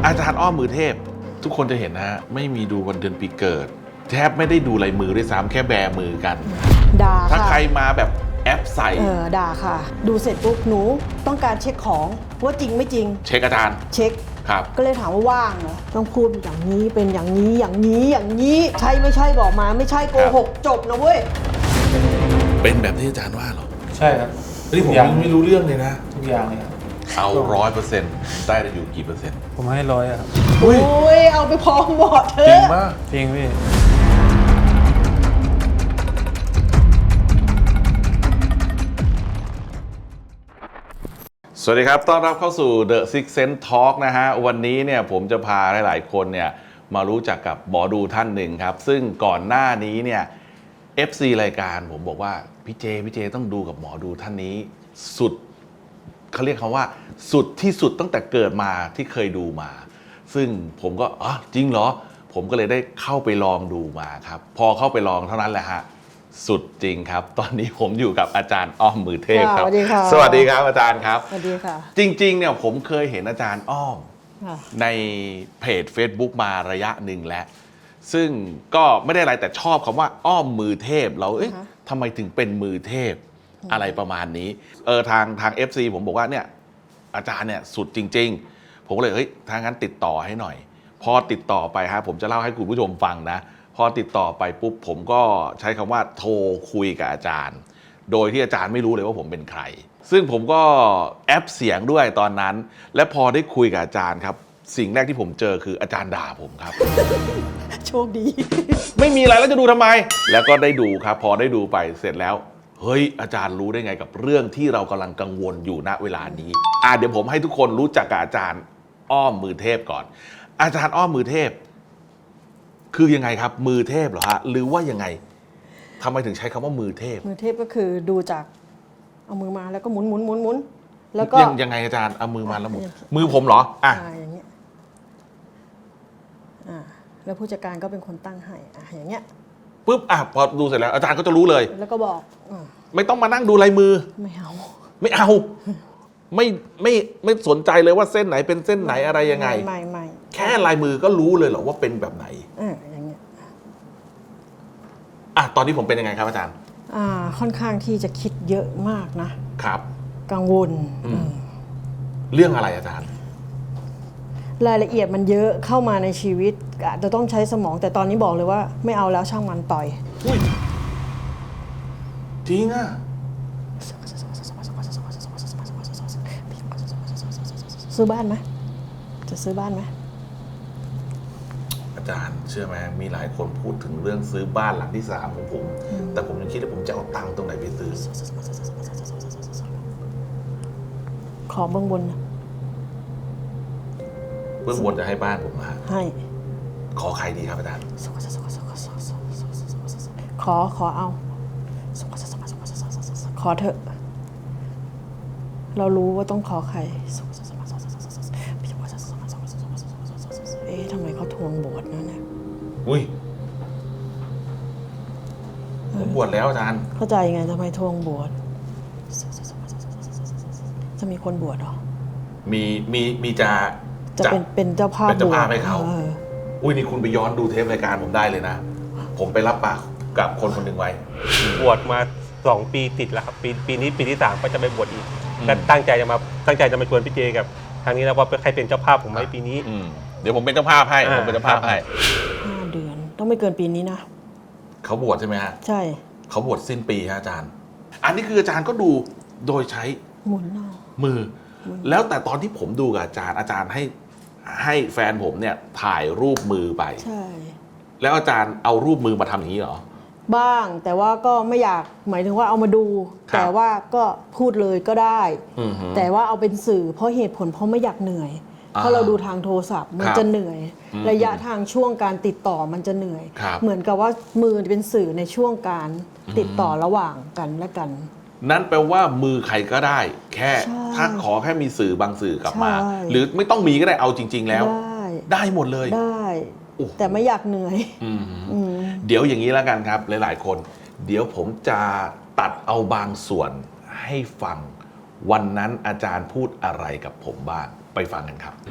อาจารย์อ้อมมือเทพทุกคนจะเห็นนะฮะไม่มีดูวันเดือนปีเกิดแทบไม่ได้ดูลายมือด้วยซ้ำแค่แบมือกันด่าค่ะถ้าใครมาแบบแอปใส่ด่าค่ะดูเสร็จปุ๊บหนูต้องการเช็คของว่าจริงไม่จริงเช็คอาจารย์เช็คครับก็เลยถามว่าว่างเหรอต้องพูดอย่างนี้เป็นอย่างนี้อย่างนี้อย่างนี้ใช่ไม่ใช่บอกมาไม่ใช่โกหกจบนะเว้ยเป็นแบบที่อาจารย์ว่าเหรอใช่ครับนี่ผมไม่รู้เรื่องเลยนะทุกอย่างเลยครับเอา 100%ได้อยู่กี่เปอร์เซ็นต์ผมให้100ครับโอ้ยเอาไปพอหมดเถอะจริงมากจริงพี่สวัสดีครับต้อนรับเข้าสู่ The Six Sense Talk นะฮะวันนี้เนี่ยผมจะพาหลายๆคนเนี่ยมารู้จักกับหมอดูท่านหนึ่งครับซึ่งก่อนหน้านี้เนี่ย FC รายการผมบอกว่าพี่เจต้องดูกับหมอดูท่านนี้สุดเขาเรียกคำว่าสุดที่สุดตั้งแต่เกิดมาที่เคยดูมาซึ่งผมก็จริงเหรอผมก็เลยได้เข้าไปลองดูมาครับพอเข้าไปลองเท่านั้นแหละฮะสุดจริงครับตอนนี้ผมอยู่กับอาจารย์อ้อมมือเทพครับสวัสดีค่ะสวัสดีครับอาจารย์ครับสวัสดีค่ะจริงๆเนี่ยผมเคยเห็นอาจารย์อ้อมในเพจ Facebook มาระยะหนึ่งแล้วซึ่งก็ไม่ได้อะไรแต่ชอบคำว่าอ้อมมือเทพเราทำไมถึงเป็นมือเทพอะไรประมาณนี้ทาง FC ผมบอกว่าเนี่ยอาจารย์เนี่ยสุดจริงๆผมก็เลยถ้างั้นติดต่อให้หน่อยพอติดต่อไปฮะผมจะเล่าให้คุณผู้ชมฟังนะพอติดต่อไปปุ๊บผมก็ใช้คำว่าโทรคุยกับอาจารย์โดยที่อาจารย์ไม่รู้เลยว่าผมเป็นใครซึ่งผมก็แอปเสียงด้วยตอนนั้นและพอได้คุยกับอาจารย์ครับสิ่งแรกที่ผมเจอคืออาจารย์ด่าผมครับโชคดีไม่มีอะไรแล้วจะดูทำไมแล้วก็ได้ดูครับพอได้ดูไปเสร็จแล้วเฮ้ยอาจารย์รู้ได้ไงกับเรื่องที่เรากำลังกังวลอยู่ณเวลานี้เดี๋ยวผมให้ทุกคนรู้จักกับอาจารย์อ้อมมือเทพก่อนอาจารย์อ้อมมือเทพคือยังไงครับมือเทพเหรอฮะหรือว่ายังไงทำไมถึงใช้คำว่ามือเทพมือเทพก็คือดูจากเอามือมาแล้วก็หมุนแล้วก็ยังไงอาจารย์เอามือมาแล้วหมุนมือผมเหรออย่างเงี้ยแล้วผู้จัดการก็เป็นคนตั้งให้อย่างเงี้ยปุ๊บพอดูเสร็จแล้วอาจารย์ก็จะรู้เลยแล้วก็บอกไม่ต้องมานั่งดูลายมือไม่เอาไม่สนใจเลยว่าเส้นไหนเป็นเส้นไหนอะไรยังไงไม่แค่ลายมือก็รู้เลยเหรอว่าเป็นแบบไหนอย่างเงี้ยตอนนี้ผมเป็นยังไงครับอาจารย์ค่อนข้างที่จะคิดเยอะมากนะครับกังวลเรื่องอะไรอาจารย์รายละเอียดมันเยอะเข้ามาในชีวิตอาจจะต้องใช้สมองแต่ตอนนี้บอกเลยว่าไม่เอาแล้วช่างมันต่อยจริงอ่ะซื้อบ้านไหมจะซื้อบ้านไหมอาจารย์เชื่อไหมมีหลายคนพูดถึงเรื่องซื้อบ้านหลังที่3ของผมแต่ผมยังคิดว่าผมจะเอาตังค์ตรงไหนไปซื้อขอเบื้องบนนะเบื้องบนจะให้บ้านผมมาให้ขอใครดีครับอาจารย์ขอเอาขอเถอะเรารู้ว่าต้องขอใครทำไมเขาทวงบวชนั่นเนี่ยผมบวชแล้วอาจารย์เข้าใจไงทำไมทวงบวชจะมีคนบวชหรอมีจะเป็นเจ้าภาพให้เขานี่คุณไปย้อนดูเทปรายการผมได้เลยนะผมไปรับปากกับคนหนึ่งไว้บวชมา2 ปีติดแล้วครับปีนี้ปีที่3ก็จะไปบวชอีกและตั้งใจจะมาชวนพี่เจกับทางนี้แล้วว่าใครเป็นเจ้าภาพผมไหมปีนี้เดี๋ยวผมเป็นเจ้าภาพให้ผมเป็นเจ้าภาพให้ 5 เดือนต้องไม่เกินปีนี้นะเขาบวชใช่ไหมฮะใช่เขาบวชสิ้นปีฮะอาจารย์อันนี้คืออาจารย์ก็ดูโดยใช้หมุนมือแล้วแต่ตอนที่ผมดูกับอาจารย์ให้แฟนผมเนี่ยถ่ายรูปมือไปใช่แล้วอาจารย์เอารูปมือมาทำอย่างนี้เหรอบ้างแต่ว่าก็ไม่อยากหมายถึงว่าเอามาดูแต่ว่าก็พูดเลยก็ได้แต่ว่าเอาเป็นสื่อเพราะเหตุผลเพราะไม่อยากเหนื่อยเพราะเราดูทางโทรศัพท์มันจะเหนื่อยระยะทางช่วงการติดต่อมันจะเหนื่อยเหมือนกับว่ามือเป็นสื่อในช่วงการติดต่อระหว่างกันและกันนั่นแปลว่ามือใครก็ได้แค่ถ้าขอแค่มีสื่อบางสื่อกลับมาหรือไม่ต้องมีก็ได้เอาจริงๆแล้วได้หมดเลยได้แต่ไม่อยากเหนื่อยเดี๋ยวอย่างนี้แล้วกันครับหลายๆคนเดี๋ยวผมจะตัดเอาบางส่วนให้ฟังวันนั้นอาจารย์พูดอะไรกับผมบ้างไปฟังกันครับ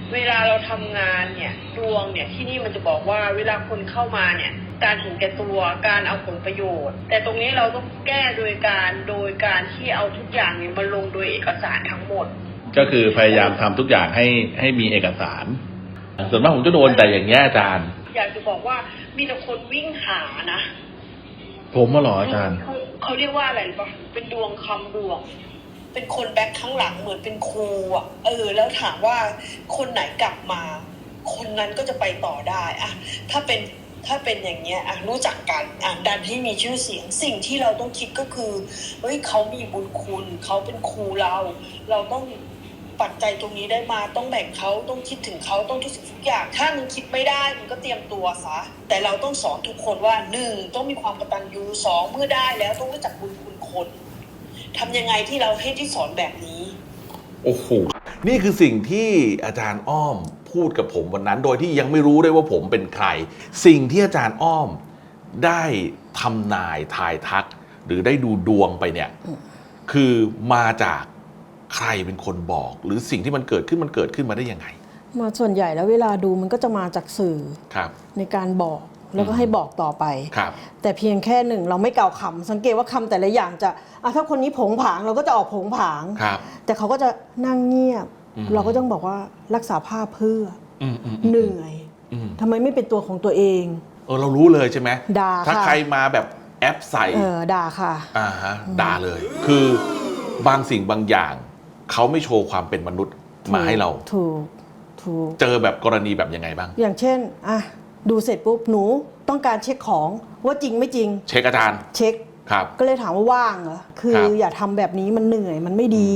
เวลาเราทำงานเนี่ยดวงเนี่ยที่นี่มันจะบอกว่าเวลาคนเข้ามาเนี่ยการเห็นแก่ตัวการเอาผลประโยชน์แต่ตรงนี้เราต้องแก้โดยการที่เอาทุกอย่างเนี่ยมาลงโดยเอกสารทั้งหมดก็คือพยายามทำทุกอย่างให้มีเอกสารส่วนมากผมจะโดนแต่อย่างเงี้ยอาจารย์อยากจะบอกว่ามีแต่คนวิ่งหานะผมมาหรออาจารย์เขาเรียกว่าอะไรปะเป็นดวงคำดวงเป็นคนแบ็คข้างหลังเหมือนเป็นครูอ่ะแล้วถามว่าคนไหนกลับมาคนนั้นก็จะไปต่อได้อะถ้าเป็นอย่างเงี้ยรู้จักกันดันให้มีชื่อเสียงสิ่งที่เราต้องคิดก็คือเฮ้ยเขามีบุญคุณเขาเป็นครูเราต้องปัจจัยตรงนี้ได้มาต้องแบ่งเขาต้องคิดถึงเขาต้องทุกสิ่งทุกอย่างถ้ามึงคิดไม่ได้มึงก็เตรียมตัวซะแต่เราต้องสอนทุกคนว่า1ต้องมีความกตัญญู2เมื่อได้แล้วต้องรู้จักบุญคุณคนทำยังไงที่เราให้ที่สอนแบบนี้โอ้โหนี่คือสิ่งที่อาจารย์อ้อมพูดกับผมวันนั้นโดยที่ยังไม่รู้ด้วยว่าผมเป็นใครสิ่งที่อาจารย์อ้อมได้ทำนายทายทักหรือได้ดูดวงไปเนี่ยคือมาจากใครเป็นคนบอกหรือสิ่งที่มันเกิดขึ้นมาได้ยังไงมาส่วนใหญ่แล้วเวลาดูมันก็จะมาจากสื่อในการบอกแล้วก็ให้บอกต่อไปแต่เพียงแค่หนึ่งเราไม่กล่าวคำสังเกตว่าคำแต่ละอย่างจะถ้าคนนี้ผงผางเราก็จะออกผงผางแต่เขาก็จะนั่งเงียบเราก็ต้องบอกว่ารักษาภาพเพื่อเหนื่อยทำไมไม่เป็นตัวของตัวเองเรารู้เลยใช่ไหมด่าถ้าใครมาแบบแอปใส่ด่าค่ะด่าเลยคือบางสิ่งบางอย่างเขาไม่โชว์ความเป็นมนุษย์มาให้เราถูกเจอแบบกรณีแบบยังไงบ้างอย่างเช่นดูเสร็จปุ๊บหนูต้องการเช็คของว่าจริงไม่จริงเช็คอาจารย์เช็คครับก็เลยถามว่าว่างเหรอคืออย่าทำแบบนี้มันเหนื่อยมันไม่ดี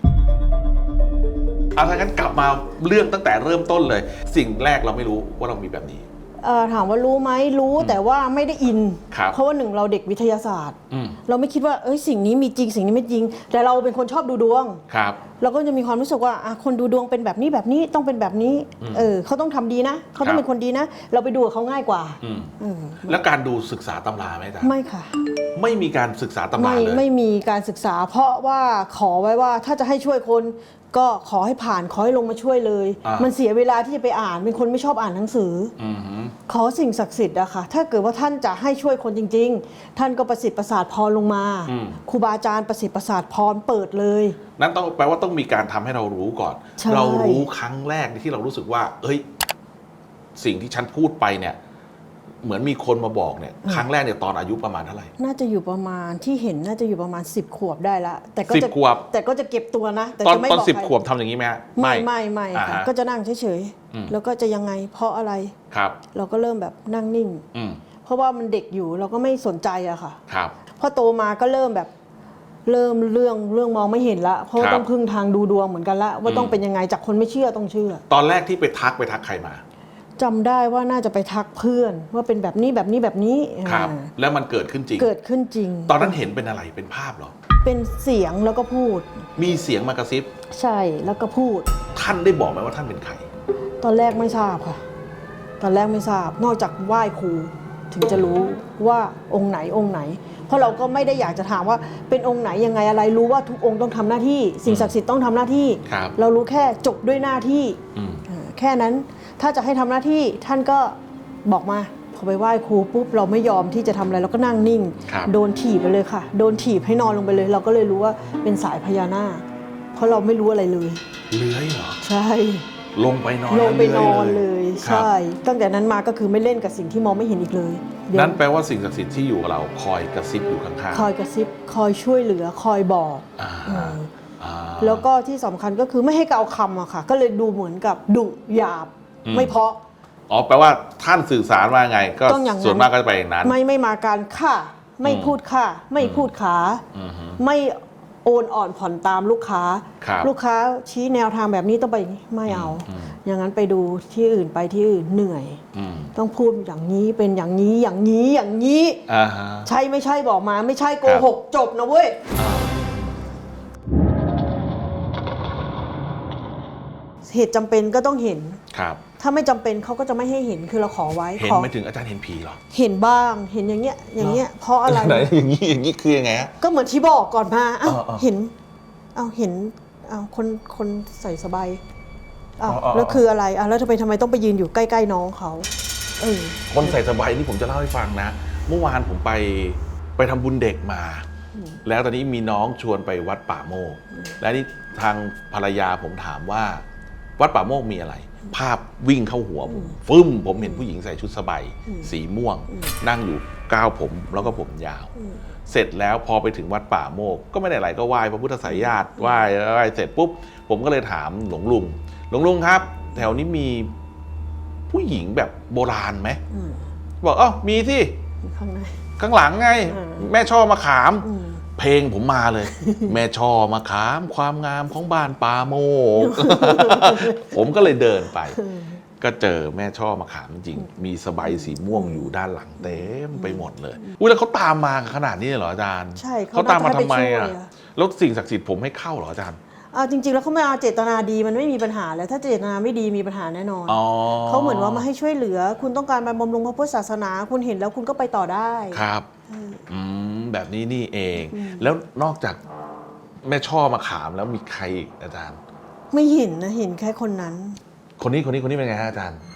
ถ้างั้นกลับมาเรื่องตั้งแต่เริ่มต้นเลยสิ่งแรกเราไม่รู้ว่าเรามีแบบนี้ถามว่ารู้ไหมรู้แต่ว่าไม่ได้อินเพราะว่า1เราเด็กวิทยาศาสตร์เราไม่คิดว่าสิ่งนี้มีจริงสิ่งนี้ไม่จริงแต่เราเป็นคนชอบดูดวงเราก็จะมีความรู้สึกว่าคนดูดวงเป็นแบบนี้ต้องเป็นแบบนี้เขาต้องทำดีนะเขาต้องเป็นคนดีนะเราไปดูกับเขาง่ายกว่าแล้วการดูศึกษาตำราไหมจ๊ะไม่ค่ะไม่มีการศึกษาตำราเลยไม่มีการศึกษาเพราะว่าขอไว้ว่าถ้าจะให้ช่วยคนก็ขอให้ผ่านขอให้ลงมาช่วยเลยมันเสียเวลาที่จะไปอ่านเป็นคนไม่ชอบอ่านหนังสือขอสิ่งศักดิ์สิทธิ์อะค่ะถ้าเกิดว่าท่านจะให้ช่วยคนจริงๆท่านก็ประสิทธิ์ประสาทพรลงมาครูบาอาจารย์ประสิทธิ์ประสาทพรเปิดเลยนั่นต้องแปลว่าต้องมีการทำให้เรารู้ก่อนเรารู้ครั้งแรกที่เรารู้สึกว่าสิ่งที่ฉันพูดไปเนี่ยเหมือนมีคนมาบอกเนี่ยครั้งแรกเนี่ยตอนอายุประมาณเท่าไหร่น่าจะอยู่ประมาณที่เห็นน่าจะอยู่ประมาณ10 ขวบได้ละแต่ก็จะ 10 ขวบแต่ก็จะเก็บตัวนะแต่จะไม่บอกใครตอน10 ขวบทำอย่างนี้ไหมไม่ค่ะก็จะนั่งเฉยๆแล้วก็จะยังไงเพราะอะไรครับเราก็เริ่มแบบนั่งนิ่งเพราะว่ามันเด็กอยู่เราก็ไม่สนใจอะค่ะครับพอโตมาก็เริ่มแบบเรื่องมองไม่เห็นละเพราะต้องพึ่งทางดูดวงเหมือนกันละว่าต้องเป็นยังไงจากคนไม่เชื่อต้องเชื่อตอนแรกที่ไปทักใครมาจำได้ว่าน่าจะไปทักเพื่อนว่าเป็นแบบนี้ครับแล้วมันเกิดขึ้นจริงตอนนั้นเห็นเป็นอะไรเป็นภาพเหรอเป็นเสียงแล้วก็พูดมีเสียงมากระซิบใช่แล้วก็พูดท่านได้บอกไหมว่าท่านเป็นใครตอนแรกไม่ทราบค่ะตอนแรกไม่ทราบนอกจากไหว้ครูถึงจะรู้ว่าองค์ไหนเพราะเราก็ไม่ได้อยากจะถามว่าเป็นองค์ไหนยังไงอะไรรู้ว่าทุกองค์ต้องทำหน้าที่สิ่งศักดิ์สิทธิ์ต้องทำหน้าที่เรารู้แค่จบด้วยหน้าที่แค่นั้นถ้าจะให้ทำหน้าที่ท่านก็บอกมาพอไปไหว้ครูปุ๊บเราไม่ยอมที่จะทำอะไรเราก็นั่งนิ่งโดนถีบไปเลยค่ะโดนถีบให้นอนลงไปเลยเราก็เลยรู้ว่าเป็นสายพญานาคเพราะเราไม่รู้อะไรเลยเลื้อยเหรอใช่ลงไปนอนเลยใช่ตั้งแต่นั้นมาก็คือไม่เล่นกับสิ่งที่มองไม่เห็นอีกเลยนั่นแปลว่าสิ่งศักดิ์สิทธิ์ที่อยู่กับเราคอยกระซิบอยู่ข้างๆคอยกระซิบคอยช่วยเหลือคอยบอกแล้วก็ที่สำคัญก็คือไม่ให้กล่าวคำอะค่ะก็เลยดูเหมือนกับดุหยาบไม่เพาะแปลว่าท่านสื่อสารว่าไงก็ส่วนมากก็จะไปอย่างนั้นไม่มาการค่ะไม่พูดค่ะไม่พูดขาไม่โอนอ่อนผ่อนตามลูกค้าชี้แนวทางแบบนี้ต้องไปไม่เอาอย่างนั้นไปดูที่อื่นไปที่อื่นเหนื่อยต้องพูดอย่างนี้เป็นอย่างนี้ใช่ไม่ใช่บอกมาไม่ใช่โกหกจบนะเว้ยเหตุจำเป็นก็ต้องเห็นถ้าไม่จำเป็นเขาก็จะไม่ให้เห็นคือเราขอไว้เห็นไม่ถึงอาจารย์เห็นผีหรอเห็นบ้างเห็นอย่างเงี้ยเพราะอะไรไหนอย่างนี้คือยังไงฮะก็เหมือนที่บอกก่อนมาเห็นคนใส่สบายอ้าวอ๋อแล้วคืออะไรแล้วทำไมต้องไปยืนอยู่ใกล้ๆน้องเขาคนใส่สบายนี่ผมจะเล่าให้ฟังนะ เมื่อวานผมไปทำบุญเด็กมา แล้วตอนนี้มีน้องชวนไปวัดป่าโมก และนี่ทางภรรยาผมถามว่าวัดป่าโมกมีอะไร ภาพวิ่งเข้าหัวผมฟึ่มผมเห็นผู้หญิงใส่ชุดสบายสีม่วง นั่งอยู่ก้าวผมแล้วก็ผมยาว เสร็จแล้วพอไปถึงวัดป่าโมกก็ไม่ได้อะไรก็ไหว้พระพุทธไสยญาติไหว้เสร็จปุ๊บผมก็เลยถามหลวงลุงครับ แถวนี้มีผู้หญิงแบบโบราณไหมบอกมีที่ข้างในข้างหลังไง แม่ช่อมะขาม เพลงผมมาเลย แม่ช่อมะขามความงามของบ้านป่าโมก ผมก็เลยเดินไป ก็เจอแม่ช่อมะขามจริงมีสบายสีม่วงอยู่ด้านหลังเต็มไปหมดเลยอุ้ยแล้วเขาตามมาขนาดนี้เหรออาจารย์ใช่เขาตามมาทำไมน่าจะให้ไปช่วยแล้วสิ่งศักดิ์สิทธิ์ผมให้เข้าเหรออาจารย์จริงๆแล้วเขาไม่เอาเจตนาดีมันไม่มีปัญหาแล้วถ้าเจตนาไม่ดีมีปัญหาแน่นอนเขาเหมือนว่ามาให้ช่วยเหลือ คุณต้องการมาบำรุงพระพุทธศาสนาคุณเห็นแล้วคุณก็ไปต่อได้ครับแบบนี้นี่เอง แล้วนอกจากแม่ช่อมะขามแล้วมีใครอีกอาจารย์ไม่เห็นนะเห็นแค่คนนั้นคนนี้เป็นไงฮะอาจารย์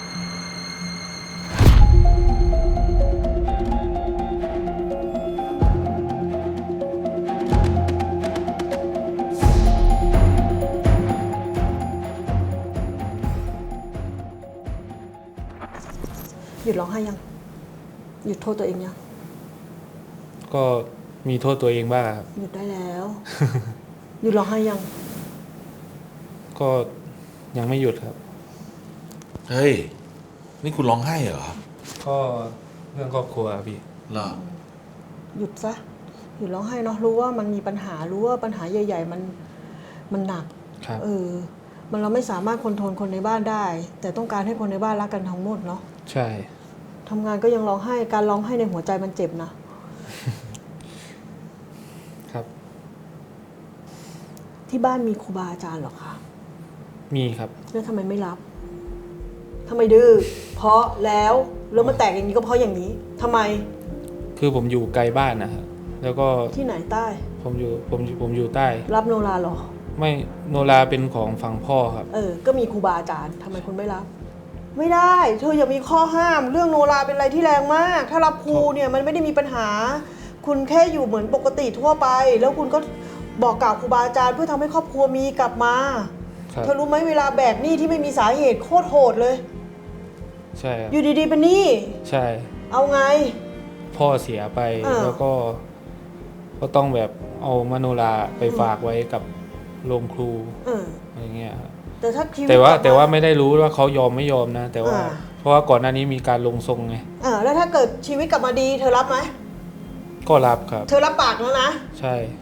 หยุดร้องไห้ยังหยุดโทษตัวเองยังก็มีโทษตัวเองบ้างครับหยุดได้แล้ว หยุดร้องไห้ยังก็ยังไม่หยุดครับเฮ้ยนี่คุณร้องไห้เหรอก็เรื่องครอบครัวพี่เหรอหยุดซะหยุดร้องไห้เนาะรู้ว่ามันมีปัญหารู้ว่าปัญหาใหญ่ๆมันหนักครับมันเราไม่สามารถคอนโทรลคนในบ้านได้ แต่ต้องการให้คนในบ้านรักกันทั้งหมดเนาะใช่ทำงานก็ยังร้องไห้การร้องไห้ในหัวใจมันเจ็บนะครับที่บ้านมีครูบาอาจารย์เหรอคะมีครับแล้วทำไมไม่รับทำไมดื้อเพราะแล้วมันแตกอย่างนี้ก็เพราะอย่างนี้ทำไมคือผมอยู่ไกลบ้านนะครับแล้วก็ที่ไหนใต้ผมอยู่ใต้รับโนราเหรอไม่โนราเป็นของฝั่งพ่อครับก็มีครูบาอาจารย์ทำไมคุณไม่รับ ไม่ได้ เธออย่ามีข้อห้ามเรื่องโนราเป็นอะไรที่แรงมาก ถ้ารับครูเนี่ยมันไม่ได้มีปัญหา คุณแค่อยู่เหมือนปกติทั่วไป แล้วคุณก็บอกกล่าวครูบาอาจารย์เพื่อทำให้ครอบครัวมีกลับมาครับเธอรู้ไหมเวลาแบกหนี้ที่ไม่มีสาเหตุโคตรโหดเลยใช่ครับอยู่ดีๆเป็นหนี้ใช่เอาไงพ่อเสียไป แล้วก็ต้องแบบเอามโนราไปฝากไว้กับโรงครูอะไรเงี้ยครับแต่ถ้าชีวิตแต่ว่าไม่ได้รู้ว่าเขายอมไม่ยอมนะ แต่ว่าเพราะว่าก่อนหน้านี้มีการลงทรงไงแล้วถ้าเกิดชีวิตกลับมาดีเธอรับไหมก็รับครับเธอรับปากแล้วนะใช่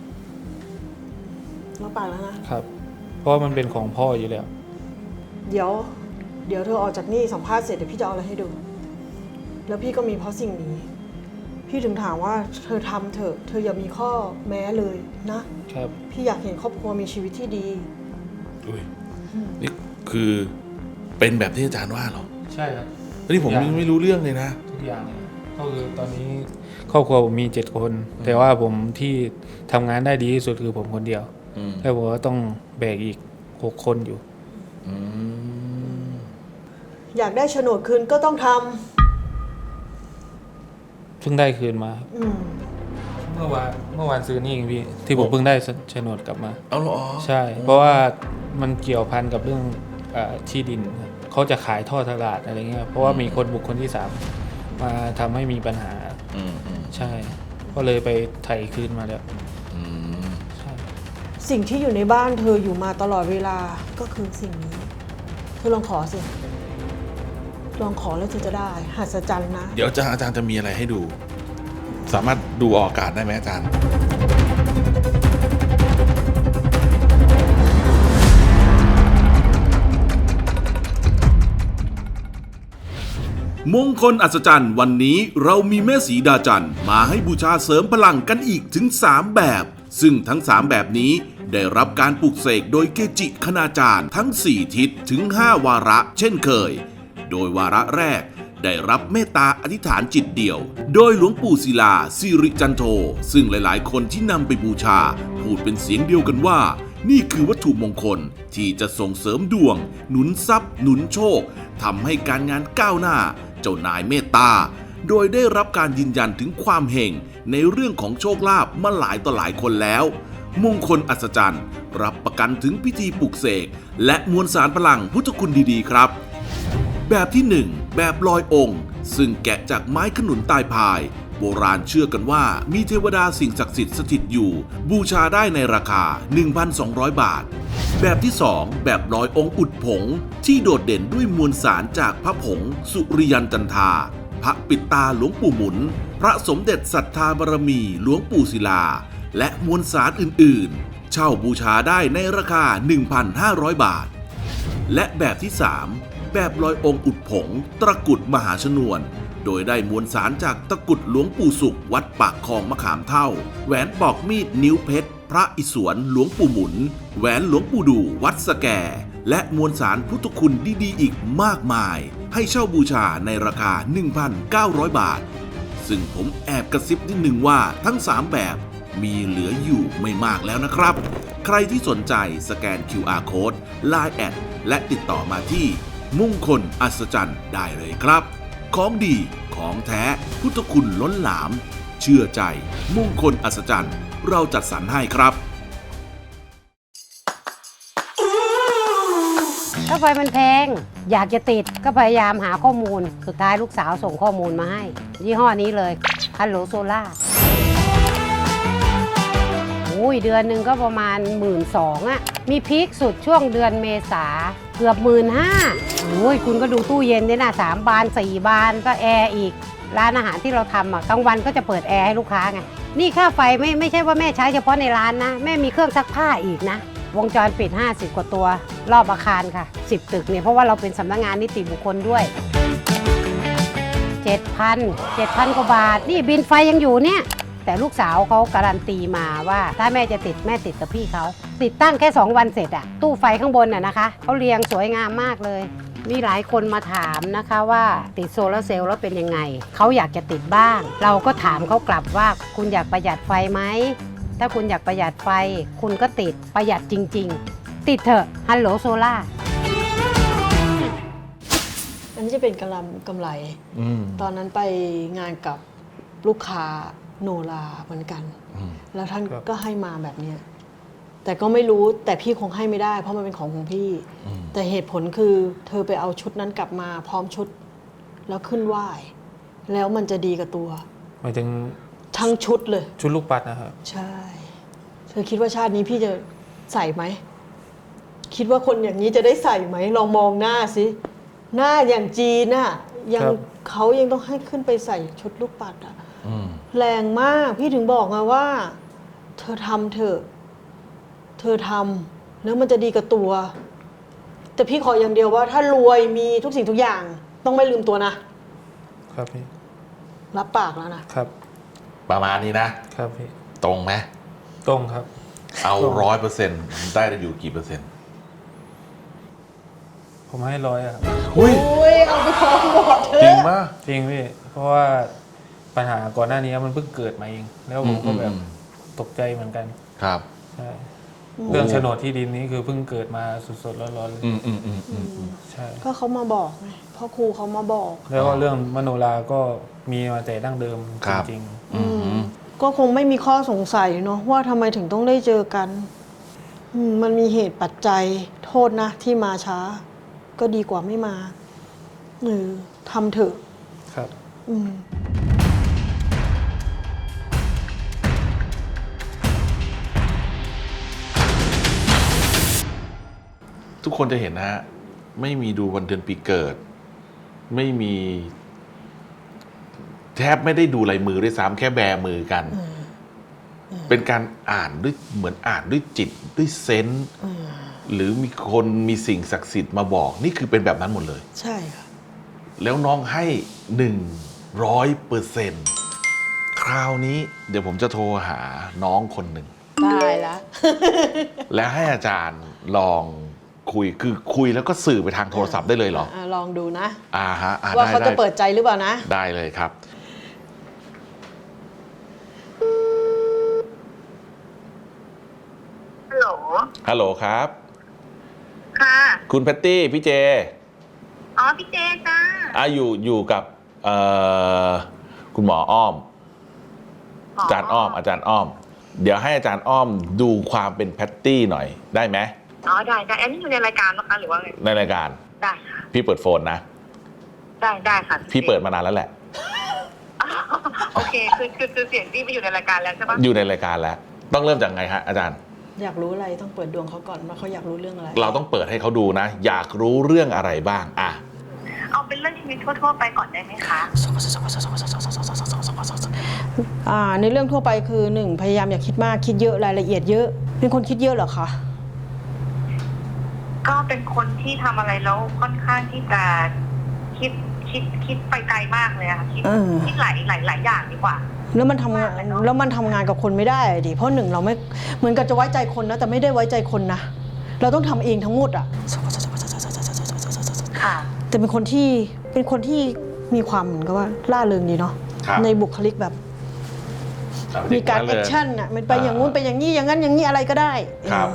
รับปากแล้วนะครับเพราะว่ามันเป็นของพ่ออยู่แล้วเดี๋ยวเธอออกจากนี่สัมภาษณ์เสร็จเดี๋ยวพี่จะเอาอะไรให้ดู แล้วพี่ก็มีเพราะสิ่งนี้ พี่ถึงถามว่าเธอทำเถอะเธออย่ามีข้อแม้เลยนะครับ พี่อยากเห็นครอบครัวมีชีวิตที่ดีอุ้ยนี่คือเป็นแบบที่อาจารย์ว่าเหรอใช่ครับนี่ผมไม่รู้เรื่องเลยนะทุกอย่างเลยก็คือตอนนี้ครอบครัวผมมี7 คน แต่ว่าผมที่ทำงานได้ดีที่สุดคือผมคนเดียวแล้วผมก็ต้องแบกอีก6 คนอยู่อยากได้โฉนดคืนก็ต้องทเพิ่งได้คืนมาครับำเมื่อวานซื้อนี่เองพี่ที่ผมเพิ่งได้โฉนดกลับมาเอาเหรอใช่ เพราะว่ามันเกี่ยวพันกับเรื่องที่ดินครับเขาจะขายท่อตลาดอะไรเงี้ยเพราะว่ามีคนบุคคลที่3มาทำให้มีปัญหาใช่ ก็เลยไปไถ่คืนมาแล้วใช่สิ่งที่อยู่ในบ้านเธออยู่มาตลอดเวลาก็คือสิ่งนี้เธอลองขอสิลองขอแล้วเธอจะได้หัศจรรย์นะเดี๋ยวอาจารย์จะมีอะไรให้ดู สามารถดูออกอากาศได้ไหมอาจารย์มงคลอัศจรรย์วันนี้เรามีแม่สีดาจันทร์มาให้บูชาเสริมพลังกันอีกถึง3แบบซึ่งทั้ง3แบบนี้ได้รับการปลุกเสกโดยเกจิคณาจารย์ทั้ง4ทิศถึง5วาระเช่นเคยโดยวาระแรกได้รับเมตตาอธิษฐานจิตเดี่ยวโดยหลวงปู่ศิลาสิริจันโทซึ่งหลายๆคนที่นำไปบูชาพูดเป็นเสียงเดียวกันว่านี่คือวัตถุมงคลที่จะส่งเสริมดวง หนุนทรัพย์ หนุนโชคทำให้การงานก้าวหน้า เจ้านายเมตตา โดยได้รับการยืนยันถึงความเฮงในเรื่องของโชคลาภมาหลายต่อหลายคนแล้ว มงคลอัศจรรย์รับประกันถึงพิธีปลุกเสกและมวลสารพลังพุทธคุณดีๆครับ แบบที่ 1 แบบลอยองค์ ซึ่งแกะจากไม้ขนุนตายพาย โบราณเชื่อกันว่ามีเทวดาสิ่งศักดิ์สิทธิ์สถิตอยู่ บูชาได้ในราคา 1,200 บาท แบบที่ 2 แบบลอยองค์อุดผง ที่โดดเด่นด้วยมวลสารจากพระผง สุริยันจันทราพระปิดตาหลวงปู่หมุน พระสมเด็จศรัทธาบารมีหลวงปู่ศิลา และมวลสารอื่นๆ เช่าบูชาได้ในราคา 1,500 บาท และแบบที่ 3 แบบลอยองค์อุดผง ตะกรุดมหาชนวน โดยได้มวลสารจากตะกรุดหลวงปู่สุขวัดปากคลองมะขามเท่า แหวนปอกมีดนิ้วเพชร พระอิศวรหลวงปู่หมุน แหวนหลวงปู่ดูวัดสแก และมวลสารพุทธคุณดีๆอีกมากมาย ให้เช่าบูชาในราคา 1,900 บาท ซึ่งผมแอบกระซิบนิดนึงว่าทั้ง 3 แบบมีเหลืออยู่ไม่มากแล้วนะครับ ใครที่สนใจสแกน QR Code Line แอดและติดต่อมาที่มงคลอัศจรรย์ได้เลยครับ ของดีของแท้พุทธคุณล้นหลาม เชื่อใจมงคลอัศจรรย์เราจัดสรรให้ครับค่าไฟมันแพง อยากจะติดก็พยายามหาข้อมูล สุดท้ายลูกสาวส่งข้อมูลมาให้ ยี่ห้อนี้เลยฮัลโหลโซล่าเดือนหนึ่งก็ประมาณ 12,000อ่ะมีพีคสุดช่วงเดือนเมษาเกือบ 15,000คุณก็ดูตู้เย็นด้วยนะ3 บาน 4 บานก็แอร์อีก ร้านอาหารที่เราทำอ่ะกลางวันก็จะเปิดแอร์ให้ลูกค้าไงนี่ค่าไฟไม่ใช่ว่าแม่ใช้เฉพาะในร้านนะแม่มีเครื่องซักผ้าอีกนะวงจรปิด50 กว่าตัวรอบอาคารค่ะ10 ตึกเนี่ยเพราะว่าเราเป็นสำนักงานนิติบุคคลด้วย 7,000 กว่าบาทนี่บินไฟยังอยู่เนี่ยแต่ลูกสาวเขาการันตีมาว่าถ้าแม่จะติดแม่ติดกับพี่เขาติดตั้งแค่2 วันเสร็จอะตู้ไฟข้างบนน่ะนะคะเขาเรียงสวยงามมากเลยมีหลายคนมาถามนะคะว่าติดโซลาร์เซลล์แล้วเป็นยังไงเขาอยากจะติดบ้างเราก็ถามเขากลับว่าคุณอยากประหยัดไฟไหมถ้าคุณอยากประหยัดไฟคุณก็ติดประหยัดจริงๆติดเถอะฮัลโหลโซล่าอันนี้จะเป็นกำไรตอนนั้นไปงานกับลูกค้าโนราเหมือนกันแล้วท่านก็ให้มาแบบนี้แต่ก็ไม่รู้แต่พี่คงให้ไม่ได้เพราะมันเป็นของพี่แต่เหตุผลคือเธอไปเอาชุดนั้นกลับมาพร้อมชุดแล้วขึ้นไหว้แล้วมันจะดีกับตัวหมายถึงทั้งชุดเลยชุดลูกปัดนะครับใช่เธอคิดว่าชาตินี้พี่จะใส่ไหมคิดว่าคนอย่างนี้จะได้ใส่ไหมลองมองหน้าสิหน้าอย่างจีนน่ะยังเขายังต้องให้ขึ้นไปใส่ชุดลูกปัดอ่ะแรงมากพี่ถึงบอกไงว่าเธอทำเถอะเธอทำแล้วมันจะดีกับตัวแต่พี่ขออย่างเดียวว่าถ้ารวยมีทุกสิ่งทุกอย่างต้องไม่ลืมตัวนะครับพี่รับปากแล้วนะครับประมาณนี้นะครับพี่ตรงไหมตรงครับเอา 100%ได้อยู่กี่เปอร์เซ็นต์ผมให้100ครับอุ้ยเอาไปฟ้องบอกเธอจริงมากจริงพี่เพราะว่าปัญหาก่อนหน้านี้มันเพิ่งเกิดมาเองแล้วผมก็แบบตกใจเหมือนกันครับใช่เรื่องโฉนดที่ดินนี้คือเพิ่งเกิดมาสดๆร้อนๆเลยใช่ก็เขามาบอกไงพ่อครูเขามาบอกแล้วก็เรื่องมโนราก็มีมาแต่ดั้งเดิมจริงๆก็คงไม่มีข้อสงสัยเนาะว่าทำไมถึงต้องได้เจอกันมันมีเหตุปัจจัยโทษนะที่มาช้าก็ดีกว่าไม่มาทำเถอะครับทุกคนจะเห็นนะฮะไม่มีดูวันเดือนปีเกิดไม่มีแทบไม่ได้ดูลายมือด้วยซ้ำแค่แบมือกันเป็นการอ่านด้วยเหมือนอ่านด้วยจิตด้วยเซนส์หรือมีคนมีสิ่งศักดิ์สิทธิ์มาบอกนี่คือเป็นแบบนั้นหมดเลยใช่ค่ะแล้วน้องให้ 100%คราวนี้เดี๋ยวผมจะโทรหาน้องคนหนึ่งได้แล้วแล้วให้อาจารย์ลองคุยแล้วก็สื่อไปทางโทรศัพท์ได้เลยเหรอลองดูนะฮะว่าเขาจะเปิดใจหรือเปล่านะได้เลยครับฮัลโหลฮัลโหลครับค่ะคุณแพตตี้พี่เจอ๋อ พี่เจจ้าอยู่กับคุณหมออ้อม อาจารย์อ้อม เดี๋ยวให้อาจารย์อ้อมดูความเป็นแพตตี้หน่อยได้ไหมอ๋อ ได้ อันนี้อยู่ในรายการนะคะหรือว่าไงในรายการได้ค่ะพี่เปิดโฟนนะได้ค่ะพี่เปิดมานานแล้วแหละอ๋อโอเค คือเสียงที่ไปอยู่ในรายการแล้วใช่ปะอยู่ในรายการแล้ว ต้องเริ่มจากไงฮะอาจารย์อยากรู้อะไรต้องเปิดดวงเขาก่อนว่าเขาอยากรู้เรื่องอะไรเราต้องเปิดให้เขาดูนะ อยากรู้เรื่องอะไรบ้างอ่ะเอาเป็นเรื่องชีวิตทั่วๆไปก่อนได้ไหมคะในเรื่องทั่วไปคือหนึ่งพยายามอย่าคิดมากคิดเยอะรายละเอียดเยอะเป็นคนคิดเยอะเหรอคะก็เป็นคนที่ทำอะไรแล้วค่อนข้างที่จะคิดไปไกลมากเลยอะค่ะคิดหลายอย่างดีกว่าแล้วมันทำงานกับคนไม่ได้ดิเพราะหนึ่งเราไม่เหมือนกับจะไว้ใจคนนะแต่ไม่ได้ไว้ใจคนนะเราต้องทำเองทั้งหมดอ่ะค่ะแต่เป็นคนที่มีความเหมือนกับว่าล่าเริงดีเนาะครับในบุคลิกแบบ มีการแอคชั่นอ่ะมันไปอย่างงู้นไปอย่างนี้อย่างนั้นอย่างนี้อะไรก็ได้ครับ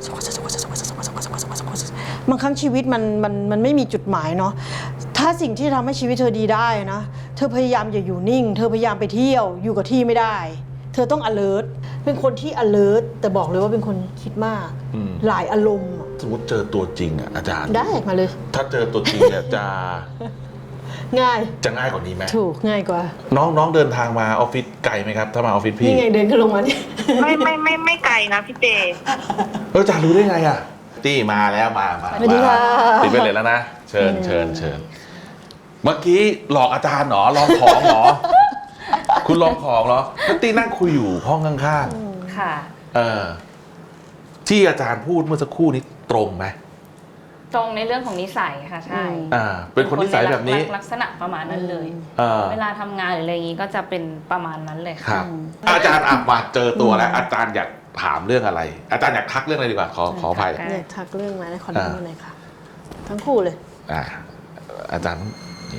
บางครั้งชีวิตมันไม่มีจุดหมายเนาะถ้าสิ่งที่ทำให้ชีวิตเธอดีได้นะเธอพยายามอย่าอยู่นิ่ง เธอพยายามไปเที่ยวอยู่กับที่ไม่ได้ เธอต้อง alert เป็นคนที่ alert แต่บอกเลยว่าเป็นคนคิดมาก หลายอารมณ์อะสมมติเจอตัวจริงอ่ะอาจารย์ได้มาเลยถ้าเจอตัวจริงเนี่ยจะง่ายจะง่ายกว่านี้ไหมถูกง่ายกว่าน้องเดินทางมาออฟฟิศไกลไหมครับ ถ้ามาออฟฟิศพี่นี่ไงเดินขึ้นลงมาเนี่ยไม่ไกลนะพี่เจอาจารย์รู้ได้ไงอ่ะตี้มาแล้วมาสวัสดีค่ะติดไปเลยแล้วนะเชิญเมื่อกี้หลอกอาจารย์เหรอลองของเหรอ คุณลองของเหรอแล้วตี้นั่งคุยอยู่ห้องข้างค่ะๆที่อาจารย์พูดเมื่อสักครู่นี้ตรงไหมตรงในเรื่องของนิสัยค่ะใช่เป็นคนนิสัยแบบนี้ลักษณะประมาณนั้นเลยอ่าเวลาทำงานหรืออะไรอย่างนี้ก็จะเป็นประมาณนั้นเลยครัค่ะบ อาจารย์มาเจอตัวแล้ว อาจารย์อยากถามเรื่องอะไร อาจารย์อยากทักเรื่องอะไรดีกว่าขออภัยเนี่ยทักเรื่องมาในคอนเทนต์เลยค่ะ ทั้งคู่เลยอาจารย์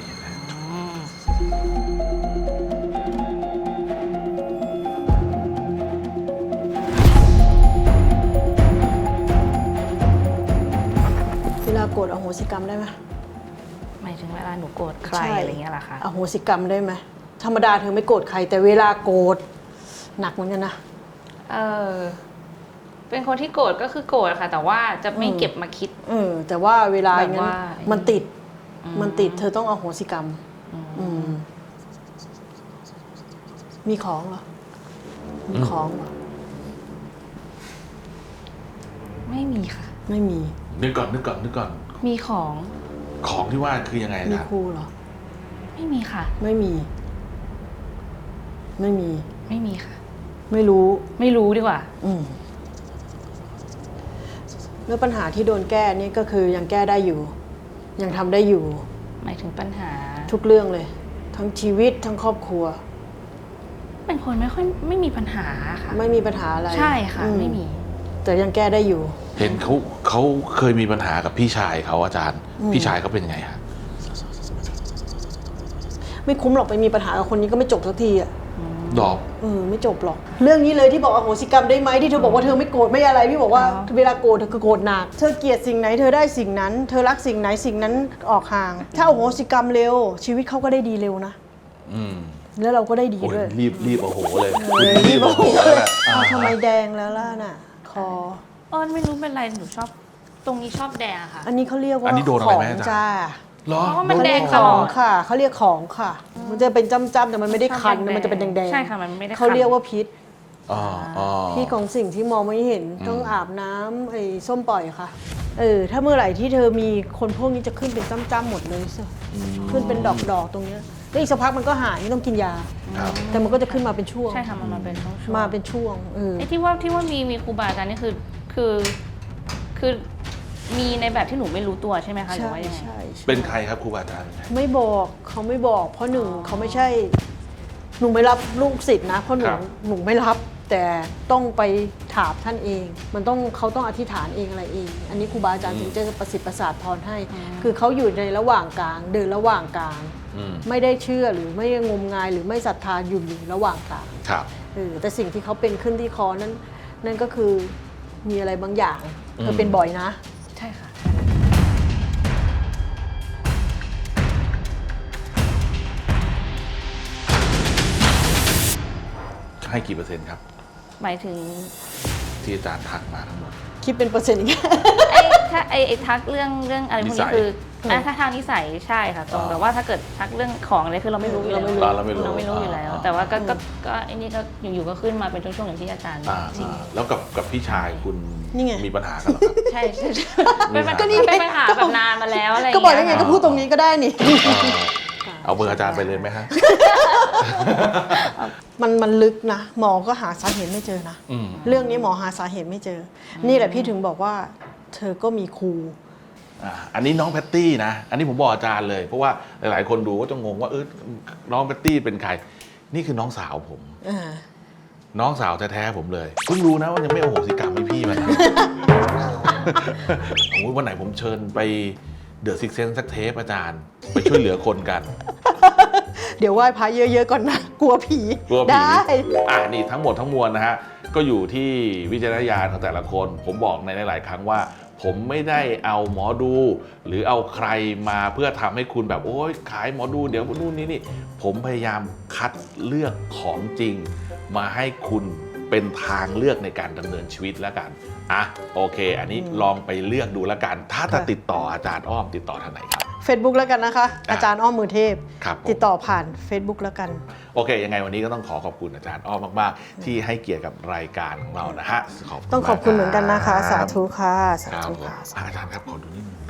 เวลาโกรธอโหสิกรรมได้ไหมหมายถึงเวลาหนูโกรธใครอะไรเงี้ยเหรอคะอโหสิกรรมได้ไหมธรรมดาเธอไม่โกรธใคร แต่เวลาโกรธหนักเหมือนกันนะเป็นคนที่โกรธก็คือโกรธค่ะ แต่ว่าจะไม่เก็บมาคิดแต่ว่าเวลาอย่างนั้นแบบว่ามันติดเธอต้องอโหสิกรรมมีของเหรอมีของเหรอไม่มีค่ะไม่มีนึกก่อนมีของของที่ว่าคือยังไงมีนะคู่เหรอไม่มีค่ะไม่มีไม่มีค่ะไม่รู้ไม่รู้ดีกว่าแล้วปัญหาที่โดนแก้นี่ก็คือยังแก้ได้อยู่ ยังทำได้อยู่หมายถึงปัญหาทุกเรื่องเลย ทั้งชีวิตทั้งครอบครัวเป็นคนไม่มีปัญหาค่ะไม่มีปัญหาอะไรใช่ค่ะ ไม่มีแต่ยังแก้ได้อยู่เห็นเขาเคยมีปัญหากับพี่ชายเขาอาจารย์ พี่ชายเขาเป็นไงฮะไม่คุ้มหรอกไปมีปัญหากับคนนี้ก็ไม่จบสักทีอ่ะดอกไม่จบหรอก เรื่องนี้เลยที่บอกอโหสิกรรมได้ไหมที่เธอบอกว่าเธอไม่โกรธไม่อะไรพี่บอกว่า เวลาโกรธเธอก็โกรธหนักเธอเกลียดสิ่งไหนเธอได้สิ่งนั้น เธอรักสิ่งไหนสิ่งนั้นออกห่าง ถ้าอโหสิกรรมเร็ว ชีวิตเขาก็ได้ดีเร็วนะแล้วเราก็ได้ดีโอ้ยด้วยรีบโอ้โหเลยรีบโอ้โหแล้วนะทำไมแดงแล้วล่ะน่ะ คอไม่รู้เป็นไรหนูชอบ ตรงนี้ชอบแดงอะค่ะอันนี้เขาเรียกว่าอันนี้โดนอะขไรองไหมอาจารย์จ้าเหรอเพราะว่ามันแดงขตลออง ดค่ะเขาเรียกของค่ะ มันจะเป็นจ้ำๆแต่มันไม่ได้คันนะมันจะเป็นแดงๆใช่ค่ะมันไม่ได้คันเขาเรียกว่าพิษอ๋อพิษของสิ่งที่มองไม่เห็นต้องอาบน้ำไอ้ส้มปล่อยค่ะ ถ้าเมื่อไหร่ที่เธอมีคนพวกนี้จะขึ้นเป็นจ้ำๆหมดเลยขึ้นเป็นดอกๆตรงเนี้ยแล้วอีกสักพักมันก็หายไม่ต้องกินยาครับแต่มันก็จะขึ้นมาเป็นช่วงใช่ค่ะมันมาเป็นช่วงๆมาเป็นช่วงไอ้ที่ว่ามีครูบาอาจารย์นี่คือมีในแบบที่หนูไม่รู้ตัวใช่ไหมคะหรือใช่ว่ายังไงใช่เป็นใครครับครูบาอาจารย์ไม่บอกเขาไม่บอกเพราะหนึ่งเขาไม่ใช่หนูไม่รับลูกศิษย์นะเพราะหนูไม่รับ แต่ต้องไปถามท่านเอง มันต้องเขาต้องอธิษฐานเองอะไรเอง อันนี้ครูบาอาจารย์ถึงจะประสิทธิ์ประสาทพรให้ คือเขาอยู่ในระหว่างกลางเดินระหว่างกลางไม่ได้เชื่อหรือไม่งมงายหรือไม่ศรัทธาอยู่ระหว่างกลางครับแต่สิ่งที่เขาเป็นขึ้นที่คอนั้นก็คือมีอะไรบางอย่างเธอเป็นบ่อยนะใช่ค่ะให้กี่เปอร์เซ็นต์ครับหมายถึงที่อาจารย์ทักมาทั้งหมดคิดเป็นเปอร์เซ็นต์อีกถ้าไอ้ทักเรื่องอะไรพวกนิสันี้ยคือถ้าทางนิสัยใช่ค่ะตรงแต่ว่าถ้าเกิดทักเรื่องของอะไรคือเราไม่รู้อยู่แล้วเราไม่รู้เราไม่รู้อยู่แล้ว แต่ว่าก็ไอ้นี่ก็อยู่ๆก็ขึ้นมาเป็นช่วงๆอย่างที่อาจารย์อ่าแล้วกับพี่ชายคุณนี่ไงมีปัญหากันเหรอครับใช่เป็นปัญหาแบบนานมาแล้วอะไรอย่างก็เงี้ยบอกยังไงก็พูดตรงนี้ก็ได้นี่เอาเบอร์อาจารย์ไปเลยไหมฮะมันลึกนะ หมอก็หาสาเหตุไม่เจอนะ เรื่องนี้หมอหาสาเหตุไม่เจอ นี่แหละพี่ถึงบอกว่า เธอก็มีครูอันนี้น้องแพตตี้นะ อันนี้ผมบอกอาจารย์เลย เพราะว่าหลายๆคนดูก็จะงงว่าน้องแพตตี้เป็นใคร นี่คือน้องสาวผม น้องสาวแท้ๆผมเลย เพิ่งรู้นะว่ายังไม่เอาโหสิกรรมให้พี่มัน โอ้ยวันไหนผมเชิญไปเดอะซิกเซนสักเทปอาจารย์ ไปช่วยเหลือคนกันเดี๋ยวไหว้พระเยอะๆก่อนนะ กลัวผีกลัวผีได้นี่ทั้งหมดทั้งมวลนะฮะ ก็อยู่ที่วิจารณญาณของแต่ละคน ผมบอกในหลายๆครั้งว่า ผมไม่ได้เอาหมอดู หรือเอาใครมาเพื่อทำให้คุณแบบโอ๊ยขายหมอดูเดี๋ยวนู่นนี่ผมพยายามคัดเลือกของจริง มาให้คุณเป็นทางเลือกในการดำเนินชีวิตแล้วกันโอเค อันนี้ลองไปเลือกดูแล้วกัน ถ้าจะติดต่ออาจารย์อ้อมติดต่อทางไหนครับ Facebook แล้วกันนะคะ อาจารย์อ้อมมือเทพครับผมติดต่อผ่าน Facebook แล้วกันโอเค ยังไงวันนี้ก็ต้องขอบคุณอาจารย์อ้อมมากๆ ที่ให้เกียรติกับรายการของเรานะฮะต้องขอบคุณเหมือนกันนะคะ สาธุค่ะ สาครับธุผมค่ะอาจารย์ครับขอดูนิดนึง